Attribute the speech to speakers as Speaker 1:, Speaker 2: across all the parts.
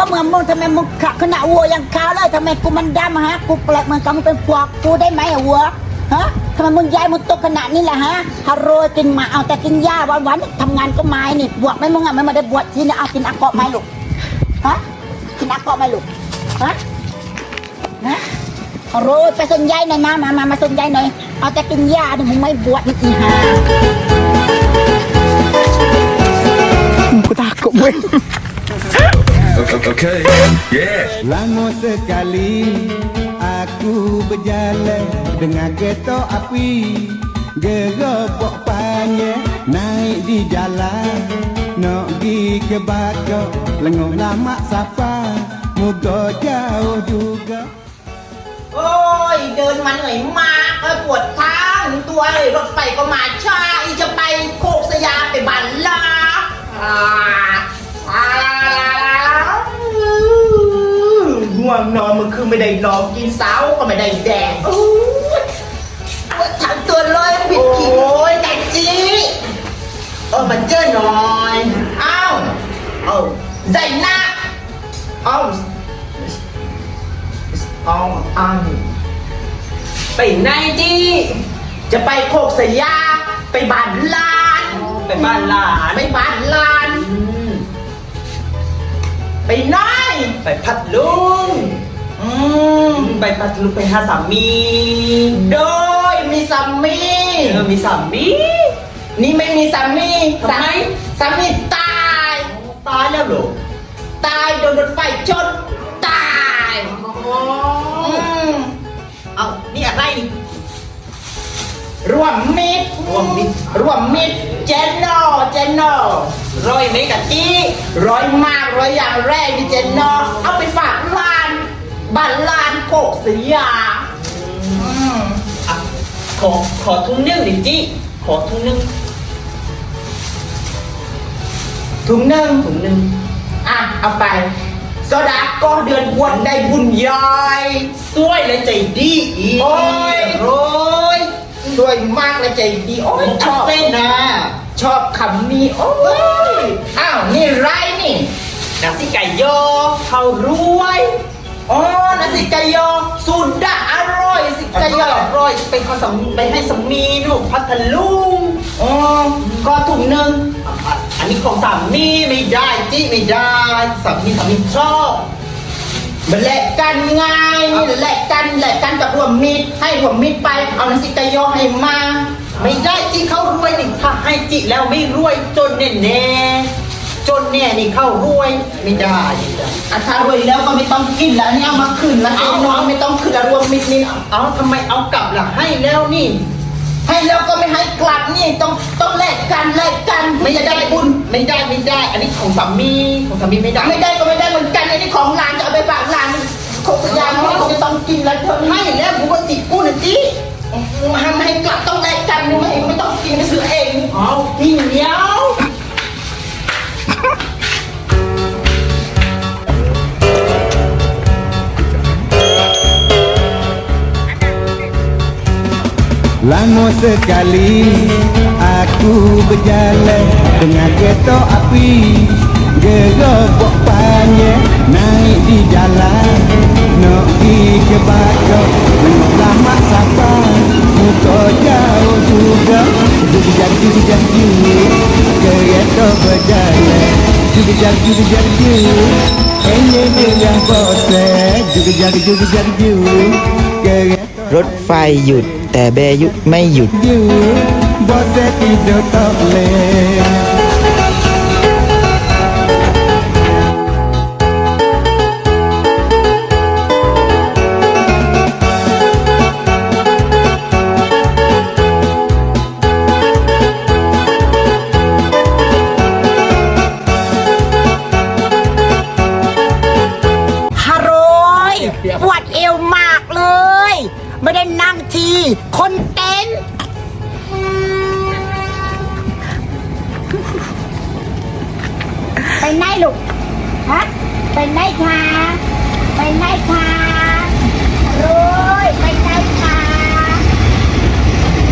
Speaker 1: เหมือนมึงทำไมมึงขะขนาดวัวยังขาวเลยทำไมกูมันดำฮะกูแปลกเหมือนกับมึงเป็นพวกกูได้ไหมอะวัวฮะทำไมมึงย้ายมึงตกขนาดนี้แหละฮะฮาโรยกินหมาเอาแต่กินหญ้าวันๆทำงานก็ไม้นี่บวชไหมมึงอ่ะไม่มาได้บวชที่นี่เอากินอักเกาะไหมลูกฮะกินอักเกาะไหมลูกฮะฮาโรยไปส่งยายหน่อยมาส่งยายหน่อยเอาแต่กินหญ้านี่มึงไม่บวชนี่อีห่ากูtakut gue.
Speaker 2: Okay, yeah.
Speaker 3: Lama sekali aku berjalan dengan kereta api, geropok panjang naik di jalan, nak pergi ke Bakau, lenguh lama safar, moga jauh juga.
Speaker 4: โอ้ยเดินมาเหนื่อยมากปวดเท้าตัวเลยรถไฟก็มาช้าอีจะไปโคกสยามไปบันลาง่วงนอนมันคือไม่ได้นอนกินเสาก็ไม่ได้แดงทั้งตัวเลยผิดกี่โอ้ยแต่จีมาเจอหน่อยอ้าวใจหน้าไปไหนจีจะไปโคกสยามไปบ้านลานไปบ้านลานไปไหนไปพัดลุงไปพัดลุงไปหาสามีโดยมีสามีมีสามีนี่ไม่มีสามีทำไมสามีตายแล้วเหรอตายโดนรถไฟชนตายเอานี่อะไรรวมมิตรเจนโนร้อยเมกะจี้ร้อยมากร้อยอย่างแรกนี่เจนโนเอาไปฝากบ้านลานโคกสยามขอทุ่งนึ่งดิจี้ขอทุ่งนึ่งเอาไปโซดาก็เดือนบวชได้บุญใหญ่สวยและใจดีอีกโอ้ยสวยมากและใจดีโอ้ยชอบเต้นนะชอบคำนี้โอ้ยอ้าวนี่ไรนี่นาซิไก่ยอเขารวยนาซิไก่ยอสุดาอร่อยสิไก่ยออร่อยไปขอสามีไปให้สามีลูกพัทลุงก็ถุงหนึ่งอันนี้ของสามีไม่ได้จี้ไม่ได้สามีชอบมันแลกกันง่ายนี่แลกกันกับรวมมิตรให้รวมมิตรไปเอานาซิกายอให้มาไม่ได้จี้เขารวยนี่ถ้าให้จี้แล้วไม่รวยจนแน่นี่เข้ารวยไม่ได้ถ้ารวยแล้วก็ไม่ต้องกินแล้วนี่เอามาคืนแล้วน้องไม่ต้องคืนแล้วรวมมิตรนี่เอาทำไมเอากลับล่ะให้แล้วนี่ให้แล้วก็ไม่ให้กลับนี่ต้องแลกกันไม่ได้บุญไม่ได้อันนี้ของสามีไม่ได้ก็ไม่ได้เหมือนกันอันนี้ของหลานจะเอาไปฝากหลานโคกสยามนี่คงจะต้องกินแล้วเธอให้แล้วกูก็ติดกูนะจี้ทำให้กลับต้องแลกกันไม่ต้องกินไปซื้อเองนี่เดียว
Speaker 3: Lama sekali aku berjalan dengan kereta api, geropok panjang naik di jalan, nak pergi ke Bakau, lenguh lama safar, muka jauh juga, jujur kereta berjalan, jujur ini yang bosan, jujur kereta
Speaker 5: รถไฟหยุดแต่เบยุไม่หยุด
Speaker 3: bosan tidur tak boleh.
Speaker 1: ปวดเอวมากเลยไม่ได้นั่งทีคนเต้นไปไหนลูกฮะไปไหนคะโอ้ยไปไหนคะ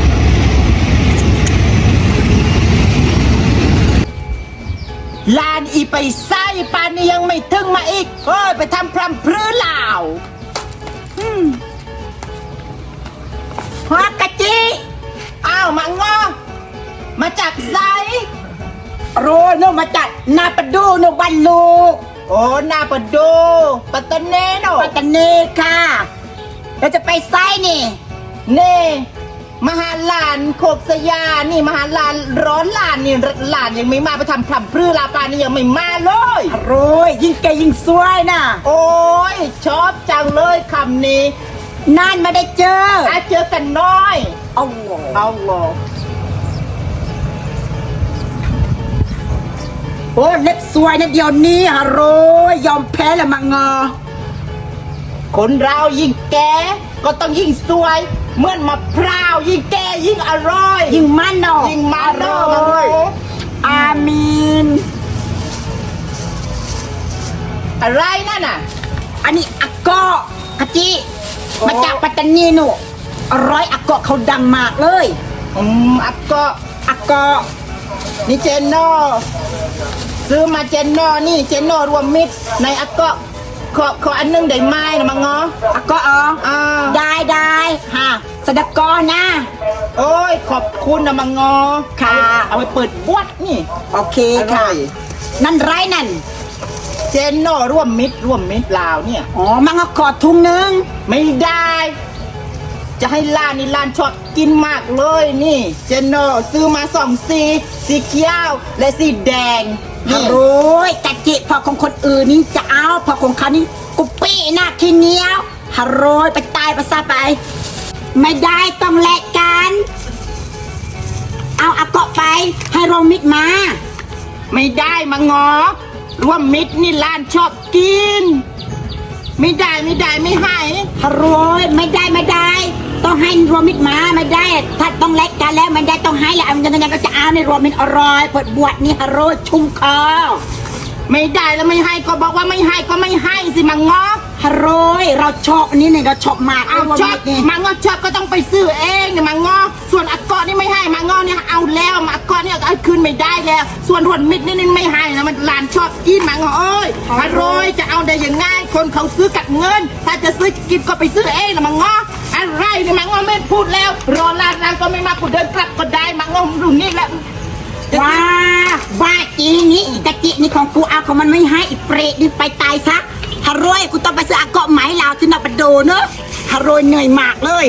Speaker 1: ลาน
Speaker 4: อีไปไส้ปานนี้ยังไม่ถึงมาอีกเฮ้ยไปทำพรำพรือลาว
Speaker 1: หัวกะจิ
Speaker 4: อ้าวมังงอมาจากไซ
Speaker 1: โรโนมาจากนาปะดูโนบันลูก
Speaker 4: โอ้นาปะโดปัตตานีโน
Speaker 1: ปัตตานีค่ะเราจะไปไซนี่
Speaker 4: เน่มหาลานโคกสยานี่มหาลานร้อนลานนี่ลานยังไม่มาไปทำพรำพรือลาปานนี่ยังไม่มาเลย
Speaker 1: โรยยิ่งแกยิ่งสวยนะ
Speaker 4: โอ้ยชอบจังเลยคำนี้
Speaker 1: นานมาได้เจอ
Speaker 4: ถ้าเจอกันน้อย
Speaker 1: เอาโ
Speaker 4: เอาโล
Speaker 1: อ้เล็บสวยนะเดี๋ยวนี้ฮะโรยยอมแพ้ละมังงอ
Speaker 4: คนเรายิ่งแก่ก็ต้องยิ่งสวยเหมือนมะพร้าวยิ่งแก่ยิ่งอร่อย
Speaker 1: ยิ่งมันเนาะ
Speaker 4: ยิ่งมาโร
Speaker 1: อร่อย
Speaker 4: ย
Speaker 1: อามีน
Speaker 4: อะไรนั่นน่ะ
Speaker 1: อันนี้อากอกะจิ
Speaker 4: โอ้
Speaker 1: มาจากปัตตานีหนูอร่อยอากอเขาดังมากเลย
Speaker 4: อักก็
Speaker 1: อากอ
Speaker 4: นี่เจนโนซื้อมาเจนโนนี่เจนโนรวมมิตรในอักก็ขออันนึงได้ไหมนะมังงอ
Speaker 1: อากออ๋อ
Speaker 4: อ่า
Speaker 1: ได้ฮะสดกอนะ
Speaker 4: โอ้ยขอบคุณนะมังงอ
Speaker 1: ค่ะ
Speaker 4: เอาไปเปิดบวชนี่
Speaker 1: โอเค
Speaker 4: อร่
Speaker 1: ค่ะ
Speaker 4: อย
Speaker 1: นั่นไรนั่น
Speaker 4: เจนโนร่วมมิตรลาวเนี่ย
Speaker 1: อ๋อมังก็ขอถุงนึง
Speaker 4: ไม่ได้ จะให้ร้านนี่ร้านชอบกินมากเลยนี่ เจนโนซื้อมา2 สีเขียวและสีแดง
Speaker 1: ฮั
Speaker 4: นี่
Speaker 1: ลโหลกะจิพอของคนอื่นนี่จะเอาพอของเขานี่กุปี้หน้าขี้เหนียวฮัลโหลไปตายไปซะไป ไม่ได้ต้องแลกกัน เอาอากอไปให้โรมิดมา
Speaker 4: ไม่ได้มางอร่วมมิตรนี่ร้านชอบกิน ไม่ได้ไม่ให้
Speaker 1: ฮัลโหลไม่ได้ ต้องให้โรมิดมาไม่ได้ ถ้าต้องแลกกันแล้วไม่ได้ต้องให้แล้วยังก็จะเอาในโรมิดอร่อยเปิดบวชนี่ฮัลโหลชุ่มคอ
Speaker 4: ไม่ได้แล้วไม่ให้ก็บอกว่าไม่ให้ก็ไม่ให้สิมังงอ
Speaker 1: ฮัลโหลเราชอบอันนี้เนี่ยเราชอบมาก
Speaker 4: เอาชอบ
Speaker 1: นี่
Speaker 4: มังงอชอบก็ต้องไปซื้อเองเนี่ยมังงอส่วนอักกอนี่ไม่ให้มังงอเนี่ยเอาแล้วอักกอเนี่ยเอาคืนไม่ได้แล้ว ส่วนรวนมิตรนี่ไม่ให้นะมันร้านชอบกินมังงอเอ้ยอร่อยจะเอาได้ยังไงคนเขาซื้อกับเงิน ถ้าจะซื้อกินก็ไปซื้อเองนะมังงออะไรเนี่ยมังงอไม่พูดแล้ว รอร้านก็ไม่มากูเดินกลับก็ได้มังงอดูนี่แหละ
Speaker 1: ว่าจริงนี่กะจินี่ของกูเอาของมันไม่ให้อีเปรตนี่ไปตายซะฮารวยกูต้องไปซื้ออากาะไหมลาวที่นาบดโดเนอะฮารวยเหนื่อยมากเลย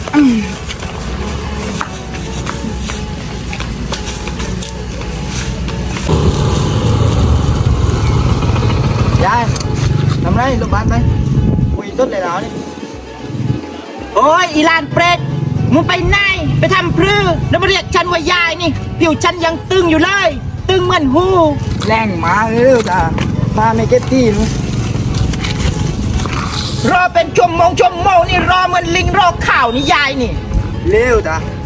Speaker 3: ยายทำไรลูกบ้านไปคุยต้นเลยแล้วนี่
Speaker 4: โอ้ยอีลานเปรตมึงไปไหนไปทำพรือแล้วมาเรียกฉันว่ายายนี่ผิวฉันยังตึงอยู่เลย ตึงเหมือนหู
Speaker 3: แรงมาเร็วจ้ามาไม่เก็ตตี้นู้น
Speaker 4: รอเป็นชั่วโมงนี่รอเหมือนลิงรอข่าวนี่ยายนี่
Speaker 3: เร็วจ้า